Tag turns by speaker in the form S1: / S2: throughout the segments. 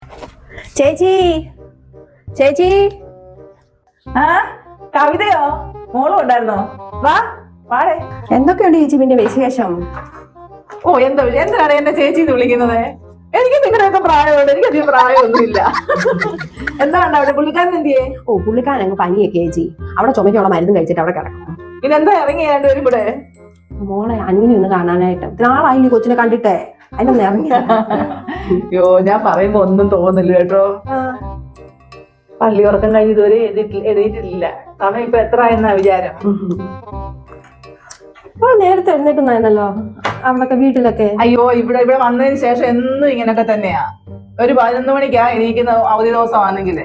S1: ചേച്ചി ചേച്ചി.
S2: ആ കവിതയോ? മോളും ഉണ്ടായിരുന്നോ? വാ വാടേ.
S1: എന്തൊക്കെയുണ്ട് ചേച്ചി പിന്നെ വിശേഷം?
S2: ഓ എന്താണ് എന്നെ ചേച്ചി വിളിക്കുന്നത്? എനിക്ക് നിങ്ങളുടെയൊക്കെ പ്രായമുണ്ട്, എനിക്കധികം പ്രായമൊന്നുമില്ല. എന്താണ് അവിടെ പുള്ളിക്കാരൻ എന്തിയേ?
S1: ഓ പുള്ളിക്കാരൻ അങ്ങ് പനിയൊക്കെ ചേച്ചി. അവിടെ ചുമക്കുള്ള മരുന്ന് കഴിച്ചിട്ട് അവിടെ കിടക്കും.
S2: പിന്നെന്താ ഇറങ്ങി രണ്ടുപേരും ഇവിടെ?
S1: മോളെ അന്വിനെ ഒന്ന് കാണാനായിട്ട് നാളായില്ലേ കൊച്ചിനെ കണ്ടിട്ടേ, അതിനൊന്ന് ഇറങ്ങി.
S2: അയ്യോ ഞാൻ പറയുമ്പോ ഒന്നും തോന്നില്ല കേട്ടോ. പള്ളി ഉറക്കം കഴിഞ്ഞ് ഇതുവരെ എഴുതിയിട്ടില്ല. സമയം ഇപ്പൊ എത്ര ആയെന്നാ വിചാരം?
S1: നേരത്തെ എഴുന്നേറ്റുന്നായിരുന്നല്ലോ അവിടൊക്കെ വീട്ടിലൊക്കെ.
S2: അയ്യോ ഇവിടെ വന്നതിന് ശേഷം എന്നും ഇങ്ങനൊക്കെ തന്നെയാ. ഒരു 11 മണിക്കാ എണീക്കുന്ന അവധി ദിവസമാണെങ്കില്.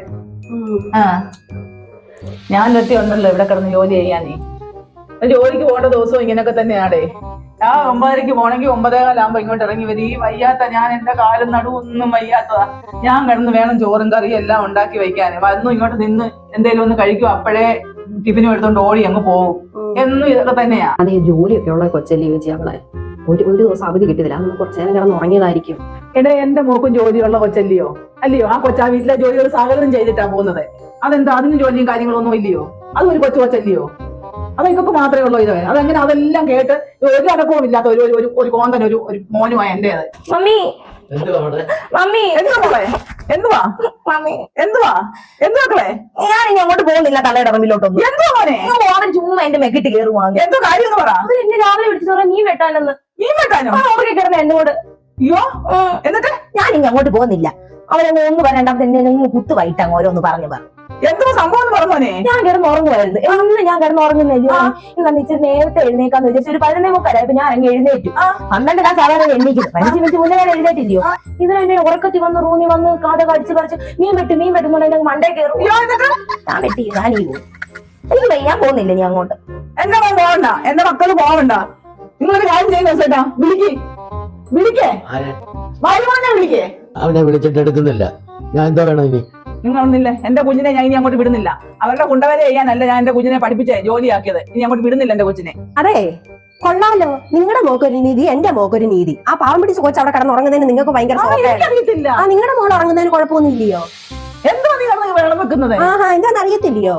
S2: ഞാൻ ഒറ്റ ഉണ്ടല്ലോ ഇവിടെ കിടന്ന് ജോലി ചെയ്യാനേ. ജോലിക്ക് പോകേണ്ട ദിവസവും ഇങ്ങനൊക്കെ തന്നെയാടേ. ആ 9:30 പോണെങ്കിൽ 9:15 ഇങ്ങോട്ട് ഇറങ്ങി വരും. ഈ വയ്യാത്ത ഞാൻ എന്റെ കാലും നടുവൊന്നും വയ്യാത്തതാ. ഞാൻ കിടന്ന് വേണം ചോറും കറിയും എല്ലാം ഉണ്ടാക്കി വയ്ക്കാന്. വന്നു ഇങ്ങോട്ട് നിന്ന് എന്തേലും ഒന്ന് കഴിക്കും, അപ്പോഴേ ടിഫിനും എടുത്തോണ്ട് ഓടി അങ്ങ് പോകും. എന്നും ഇതൊക്കെ തന്നെയാ.
S1: അതേ ജോലിയൊക്കെ ഉള്ള കൊച്ചല്ലേ ചോദിച്ചു അവളെ. ഒരു ദിവസം അവധി കിട്ടിയതില്ല, അന്ന് കുറച്ചു നേരം കിടന്ന് ഉറങ്ങിയതായിരിക്കും.
S2: എടേ എന്റെ മോക്കും ജോലിയുള്ള കൊച്ചല്ലയോ? അല്ലയോ? ആ കൊച്ചാ വീട്ടിലെ ജോലികൾ സകലം ചെയ്തിട്ടാ പോകുന്നത്. അതെന്താ അതിന് ജോലിയും കാര്യങ്ങളൊന്നും ഇല്ലയോ? അതും ഒരു കൊച്ചല്ലയോ? അതൊക്കെ മാത്രമേ ഉള്ളൂ ഇത്. അതെങ്ങനെ അതെല്ലാം കേട്ട് ഒരു അടക്കവും ഇല്ലാത്ത ഒരു കോന്തൻ ഒരു മോനുമായ എന്റേത്.
S1: മമ്മി മമ്മി
S2: എന്തുവാ മോളെ? എന്തുവാ
S1: മമ്മി
S2: എന്തുവാക്കളെ?
S1: ഞാൻ ഇനി അങ്ങോട്ട് പോകുന്നില്ല തള്ളയുടെ മുമ്പിലോട്ടൊന്നും.
S2: എന്തുവാ മോനെ?
S1: അവൻ ചുമ്മാ എന്റെ മെക്കിട്ട് കയറുവാങ്ങി.
S2: എന്തോ കാര്യം എന്ന് പറ.
S1: എന്നെ രാവിലെ വിളിച്ചു പറയാം നീ വെട്ടാനെന്ന്.
S2: നീ വെട്ടാനോ?
S1: അവർക്ക് കിടന്ന എന്നോട്.
S2: അയ്യോ എന്നിട്ട്
S1: ഞാൻ ഇനി അങ്ങോട്ട് പോകുന്നില്ല. അവരങ്ങ് ഒന്ന് പറയണ്ടാത്ത എന്നെ കുത്തു വൈകിട്ട് ഓരോന്ന് പറഞ്ഞു.
S2: എന്തോ സംഭവം പറഞ്ഞോനെ?
S1: ഞാൻ കിടന്ന് ഉറങ്ങുമായിരുന്നു. എന്ന് ഞാൻ കിടന്ന് ഉറങ്ങുന്നില്ല. ഇന്ന് ഇച്ചിരി നേരത്തെ എഴുന്നേക്കാന്ന് വിചാരിച്ചു. ഒരു 11:45 ഇപ്പൊ ഞാൻ അങ്ങ് എഴുന്നേറ്റു. 12 ഞാൻ സാധാരണ എഴുന്നേക്കുന്നു. 15 മിനിറ്റ് മുന്നേ ഞാൻ എഴുന്നേറ്റില്ലയോ. ഇതിനെ ഉറക്കത്തി വന്ന് റൂമി വന്ന് കാത കടിച്ച് പറിച്ച് മീൻ വെട്ടുന്നുണ്ടെങ്കിൽ മണ്ടേ കയറും. ഞാൻ വെട്ടി ഞാനീ പോകും. എനിക്ക് വയ്യാൻ പോകുന്നില്ല നീ അങ്ങോട്ട്.
S2: എന്റെ മോൻ പോവണ്ട, എന്റെ മക്കള് പോവണ്ട. നിങ്ങളൊരു കാര്യം ചെയ്യുന്ന ചേട്ടാ, വിളിക്കേ വരുമാനം വിളിക്കേ.
S3: അവനെ വിളിച്ചിട്ട് എടുക്കുന്നില്ല. ഞാൻ എന്താ വേണം ഇനി?
S2: നിങ്ങളൊന്നില്ല എന്റെ കുഞ്ഞിനെ ഞാൻ ഇനി അങ്ങോട്ട് വിടുന്നില്ല. അവരുടെ കുണ്ടവരെ ചെയ്യാനല്ല ഞാൻ എന്റെ കുഞ്ഞിനെ പഠിപ്പിച്ചേ ജോലിയാക്കിയത്. ഇനി അങ്ങോട്ട് വിടുന്നില്ല എന്റെ കൊച്ചിനെ.
S1: അതെ കൊള്ളാലോ, നിങ്ങളുടെ മോക്കൊരു നീതി എന്റെ മോക്കൊരു നീതി. ആ പാവം പിടിച്ച് കൊച്ചു അവിടെ കിടന്ന് ഉറങ്ങുന്നതിന് നിങ്ങൾക്ക് ഭയങ്കര
S2: അറിയത്തില്ല.
S1: നിങ്ങളുടെ മോൾ ഉറങ്ങുന്നതിന് കുഴപ്പമൊന്നുമില്ലയോ?
S2: എന്തോ നീ കിടന്ന് വെള്ളം വെക്കുന്നത്?
S1: എന്താന്ന് അറിയത്തില്ലയോ?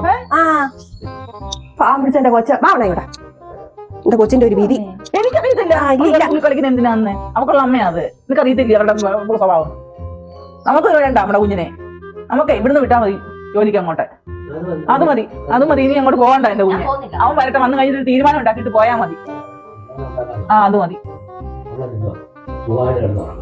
S1: പാവം പിടിച്ച എന്റെ കൊച്ച വാവണ ഇവിടെ. എന്റെ കൊച്ചിന്റെ ഒരു വീതി
S2: എനിക്കറിയത്തില്ല. കളിക്കുന്ന എന്തിനാന്ന്? അവക്കുള്ള അമ്മയാ അത്. നിനക്കറിയത്തില്ല അവരുടെ സ്വഭാവം. നമുക്ക് വേണ്ട നമ്മുടെ കുഞ്ഞിനെ. നമുക്ക് ഇവിടുന്ന് വിട്ടാ മതി ജോലിക്ക് അങ്ങോട്ട്. അത് മതി ഇനി അങ്ങോട്ട് പോകണ്ട എന്റെ കുഞ്ഞ്. അവൻ വരട്ടെ, വന്നു കഴിഞ്ഞിട്ട് ഒരു തീരുമാനം ഉണ്ടാക്കിയിട്ട് പോയാ മതി. അത് മതി.